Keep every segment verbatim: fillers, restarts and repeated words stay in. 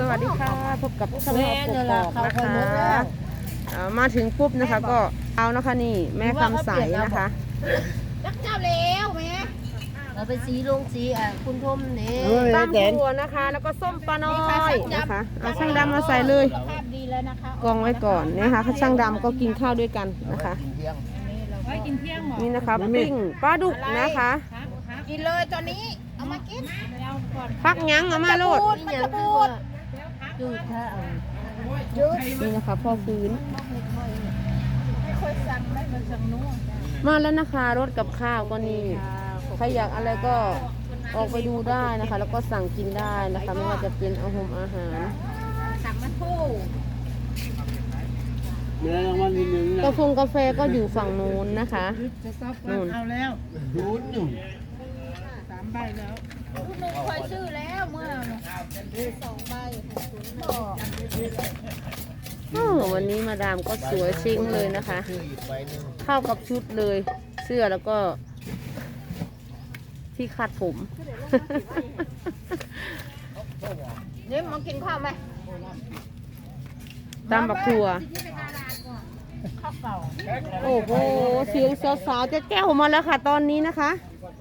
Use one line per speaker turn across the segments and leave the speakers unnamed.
วัสดีค่ะพบกับช่องเราปกปอกนะคะมาถึงปุ๊บนะคะก็เอานะคะนี่แม่คำใสนะคะ
รักเจ้าแล้วแม่เราไปสีลงสีอ่ะคุณทมนี่
ตามครัวนะคะแล้วก็ส้มปลาน้อยนะคะเอาช่างดำมาใส่เลยกองไว้ก่อนนะคะช่างดำก็กินข้าวด้วยกันนะคะนี่นะคะปิ้งปลาดุกนะคะ
กินเลยตอนนี้เอามากิน
พักยั้งเอามาโลด
จืดค่ะ
นี่นะคะพ่อฟื้นมาแล้วนะคะรถกับข้าวก็นี่ใครอยากอะไรก็ออกไปดูได้นะคะแล้วก็สั่งกินได้นะคะไม่ว่าจะเป็นอาหารอาหาร
สั่งมาทู่
กาแฟกาแฟก็อยู่ฝั่งนู้นนะคะนู่น
เอาแล้วนู้นอยู่สามใบแล้ว
ลูกหนุ่มคอยชื่อแล้วเมื่อสองใบ
วันนี้มาดามก็สวยชิงเลยนะคะเข้ากับชุดเลยเสื้อแล้วก็ที่คาดผม
เนี่ยมากินข้าวไหม
ตามบักทัวโอ้โหเสียงสาวๆจะแก้วมาแล้วค่ะตอนนี้นะคะ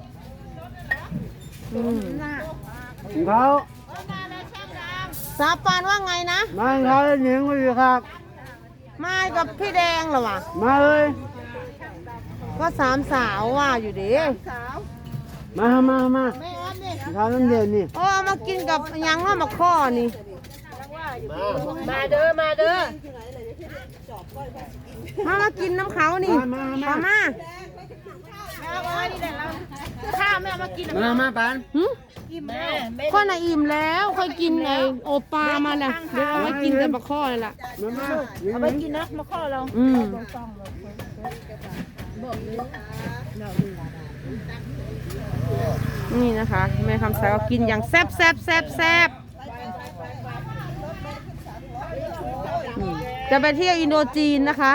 อืม
เขา
สาปานว่าไงนะ
มาเขาหญิงมาอยู่ครับ
มากับพี่แดงเหรอวะ
มาเลย
ก็สามสาวว่าอยู่ดิ
มามามาข้าวน้ำเย็นนี่
โอ้มากินกับยังว่ามาข้อนี่
มาเด้อมาเด้อ
มามากินน้ำเขานี่มามามา
ข้าวแม่มากิน
มามาปาน
อิ่มแม่
ข้อน่ะอิ่มแล้วค่อยกินไอ้โอปลามาน่ะเดี๋ยวเอาไว้กินแต่มาข้อนี่แหละ
เอาไปกินนะมาข้อเรา
อืมนี่นะคะแม่คำใสก็กินอย่างแซ่บแซ่บแซ่บแซ่บจะไปเที่ยวอินโดจีนนะคะ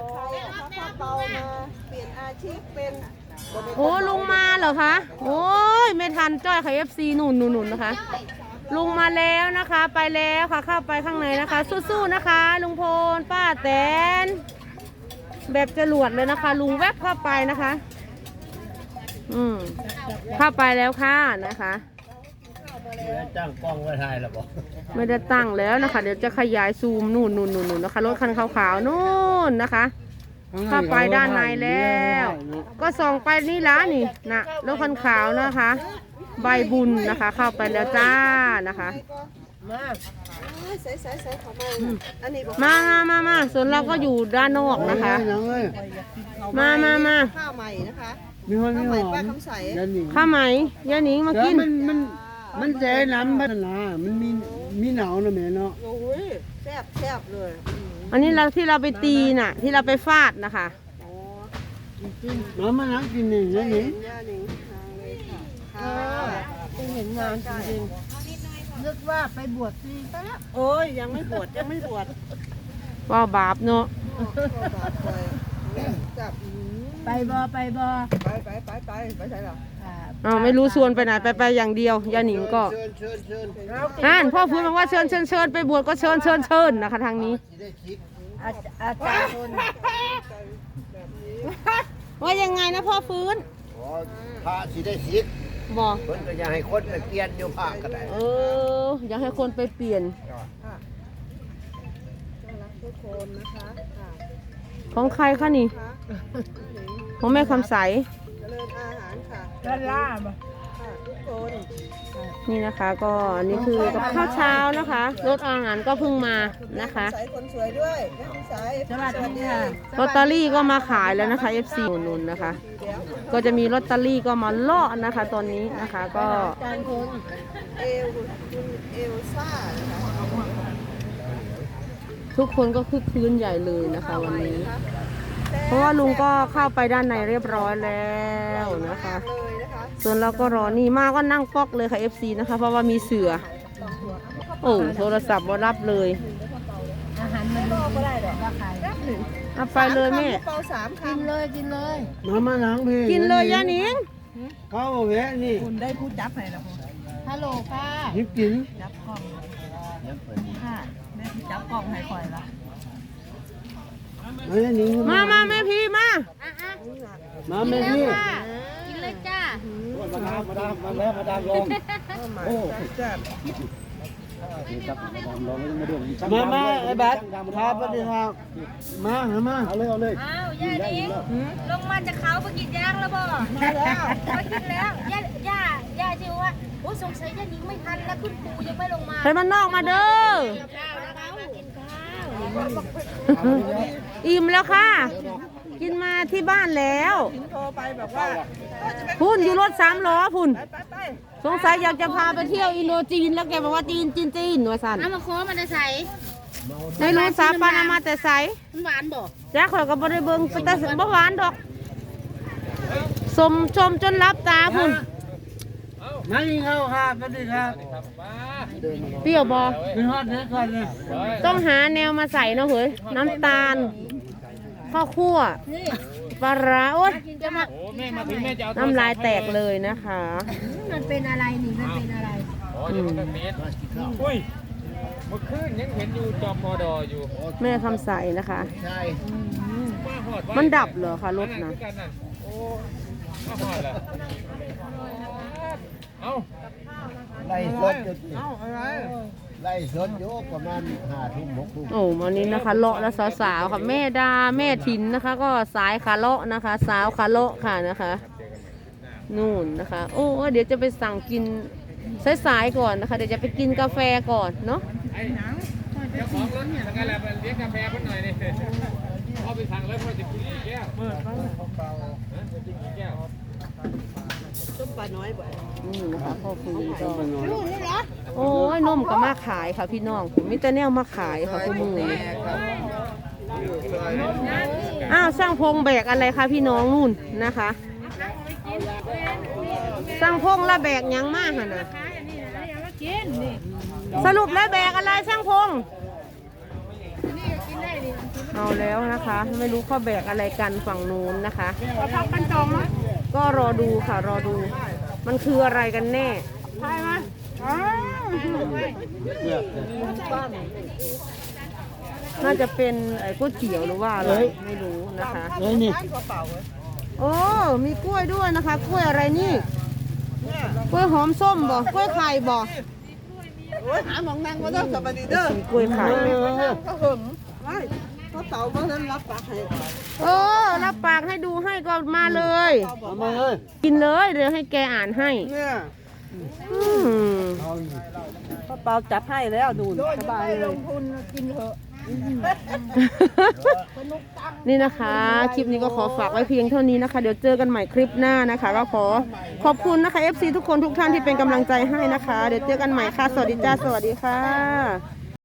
โอ้ลุงมาเหรอคะโอ้ยไม่ทันจ้อยค่ะเอฟซีหนุนหนุนหนุนนะคะลุงมาแล้วนะคะไปแล้วค่ะเข้าไปข้างในนะคะสู้ๆนะคะลุงพลป้าแตนแบบจรวดเลยนะคะลุงแวบเข้าไปนะคะอืมเข้าไปแล้วค่ะนะคะ
ตั้งกล้องไว้ถ่ายแล้วบอก
ไม่ได้ตั้งแล้วนะคะเดี๋ยวจะขยายซูมนู่นนู่นนู่นนะคะรถคันขาวๆนู่นนะคะเข้าไปด้านในแล้วก็ส่องไปนี่ละนี่นะรถคันขาวนะคะใบบุญนะคะเข้าไปแล้วจ้านะคะมามามามาส่วนเราก็อยู่ด้านนอกนะคะมามามา
ข้าวใหม่นะคะมีคนมีหอม
ข้าวไหมยาหนิงมากิน
มันมันมันแจ่น้ำพัฒนามันมีมีหนาวนะแม่เนาะ
โอ้ยแซ่บแซ่บเลย
อันนี้เราที่เราไปตีน่ะที่เราไปฟาดนะคะ
น้ำมันนักกินหนึ่งนะหนิง
เห็นงานจริงๆนึกว่าไปบวชฟรีไปแล้วโอ้ยยังไม่บวชยังไม่บวช
ว่าบาปเนาะ
ไปบอไปบอ
ไปไปไปไปไปใช่หรอ
อ้าวไม่รู้ชวนไปไหนไปไปอย่างเดียวยาหนิงก็นั่นพ่อพูดมาว่าเชิญเชิญเชิญไปบวชก็เชิญเชิญเชิญนะคะทางนี้
อาจารย์คน
ว่ายังไงนะพ่อฟื้น
พระสิได้สิทธิ์
บอก
คนก็อยากให้คนไปเปลี่ยนอยู่ภาคก็ได้
เอออยากให้คนไปเปลี่ยนของใครคะนี่ของแม่คำใส
ด้านล่าง
นี่นะคะก็อันนี้คือกับข้าวเช้านะคะรถอาหารก็เพิ่งมานะคะ
คนสวยด้วยสวัสดีค่ะ
ลอตเตอรี่ก็มาขายแล้วนะคะ เอฟ ซี นุ่นๆนะคะก็จะมีลอตเตอรี่ก็มาเลาะนะคะตอนนี้นะคะก็
การคนเอลเอลซ่า
ทุกคนก็คึกคืนใหญ่เลยนะคะวันนี้เพราะว่าลุงก็เข้าไปด้านในเรียบร้อยแล้วนะคะส่วนเราก็รอนี่มาก็นั่งป๊อกเลยค่ะ เอฟ ซี นะคะเพราะว่ามีเสือโอ้โทรศัพท์มารับเลย
อาหารมันรอก็ได้หรอก
เอาไปเลยแม่
กินเลยกินเลย
น้ำมันหนังพี่
กินเลยยาหนิง
ข้าวแวะนี่
คุณได้พูดจับไหนล่ะคุณฮัลโหลค่ะ
ยิบกิน
จับกล้องจับกล่องให้ข่อยละ
เฮ้ยนี่
มามาแม่พี่มา
มาแม่พี่
กินเลยจ้า
มาดามมาดามมาแล้วมาดามลงโอ้มามาไอ้บัตรครับสวัสดีครับมาหามาเอาเลยเอาเลย
อ้าวย่าดิงลงมาจากเขาไปกินย่างแล้วบ่มาแล้วไปกินแล้วย่าย่าย่าชื่อว่าโอ้สงสัยย่าดิงไม่ทันแล้วคุณปู่ยังไม่ลงมา
ไปมันนอกมาเด้อ
ข้าวนะคะมากินข้าว
อิ่มแล้วค่ะ กินมาที่บ้านแล้ว
โทรไปแบบว่า
พุ่นอยู่รถสามล้อพุ่น
ไปไป
สงสัยอยากจะพาไปเที่ยวอินโดจีนแล้วแกบอกว่าจีนจีนจีนว่าสัน
น้ำมะโค้มันจะใส่
ในรู้สาปานามาแต่ใส
มันหวานบ่
แจ๊คข่อยก็บ่ได้เบิ่งไปแต่บ่หวานดอกสมชมจนรับตาพุ่น
มากินข้าวครับสวัสดีครับ
เปรี้ยวบ่
กินฮอดเด็กก่อนเลย
ต้องหาแนวมาใส่เนาะเฮ้ยน้ำตาลข้าวคั่วปลาร้าโอ๊ย
จะมา
น้ำลายแตกเลยนะคะ
มันเป็นอะไรนี่มันเป็นอะไร
อืม
อุ้ยเมื่อคืนยังเห็นอยู่จอมพอดออยู่
แม่คำใสนะคะ
ใช่
มาหอดไว้
มันดับเหรอคะรถนะ
คือกันน่ะโอ้มาหอดแล้วเอ้า
ไล่สดอยู่
เอ้าอะไร
ไล่สดอยู่ประมาณห้าทุ่มหกทุ่ม
โอ้วันนี้นะคะเลาะและสาวๆค่ะแม่ดาแม่ถินนะคะ ก็สายขาเลาะนะคะ สาวขาเลาะค่ะนะคะ นู่นนะคะ โอ้เดี๋ยวจะไปสั่งกินสายๆก่อนนะคะ เดี๋ยวจะไปกินกาแฟก่อนเนาะ
ไอ้เจ้าของรถยังไงล่ะไปเลี้ยงกาแฟเพิ่นหน่อยนี่เอาไปสั่งเลยเพื่อจะกินกี่แก้วเปิดฮะจะกินกี่แก้ว
ต้มปลาน้อยบ่
นี่นะคะพ่อคุยก็โอ้ยนมก็มาขายค่ะพี่น้องมิแต่แนวมาขายค่ะคุณมือนี้อ้าวสร้างพงแบกอะไรคะพี่น้องนู่นนะคะสร้างพงแล้วแบกหยังมากค่ะนะสรุปแล้วแบกอะไรสร้างพงเอาแล้วนะคะ ไม่รู้เขาแบกอะไรกันฝั่งนู้นนะคะ
พักกันจองนะ
ก็รอดูค่ะรอดู มันคืออะไรกันแน่
ใช่ไหมอ๋อ
น่าจะเป็นไอ้ก๋วยเตี๋ยวหรือว่าอะไรไม่รู้นะคะ
เฮ้ยนี่
กระเป๋าเว้ย
โอ้มีกล้วยด้วยนะคะ กล้วยอะไรนี่
เนี่ย
กล้วยหอมส้มบ่กล้วยไข่บ่
โอ้ยหาหมองนั่งมาเด้อสวัสดีเด้อ
มีกล้วยไข่
ก็หึงไม่กระเป๋าเมื่อนั้นรับปากให้
โอ้รับปากให้ดูให้ก็มาเลย
เอามาเลย
กินเลยเดี๋ยวให้แกอ่านให้
เนี่ย
อืม
เอา
กระเป๋าจัดให้แล้วดูสบายเลยลงทุนกินเถอะ
นี่นะคะ คลิปนี้ก็ขอฝากไว้เพียงเท่านี้นะคะ เดี๋ยวเจอกันใหม่คลิปหน้านะคะ ก็ขอขอบคุณนะคะ เอฟ ซี ทุกคนทุกท่านที่เป็นกำลังใจให้นะคะ เดี๋ยวเจอกันใหม่ค่ะ สวัสดีจ้า สวัสดีค่ะ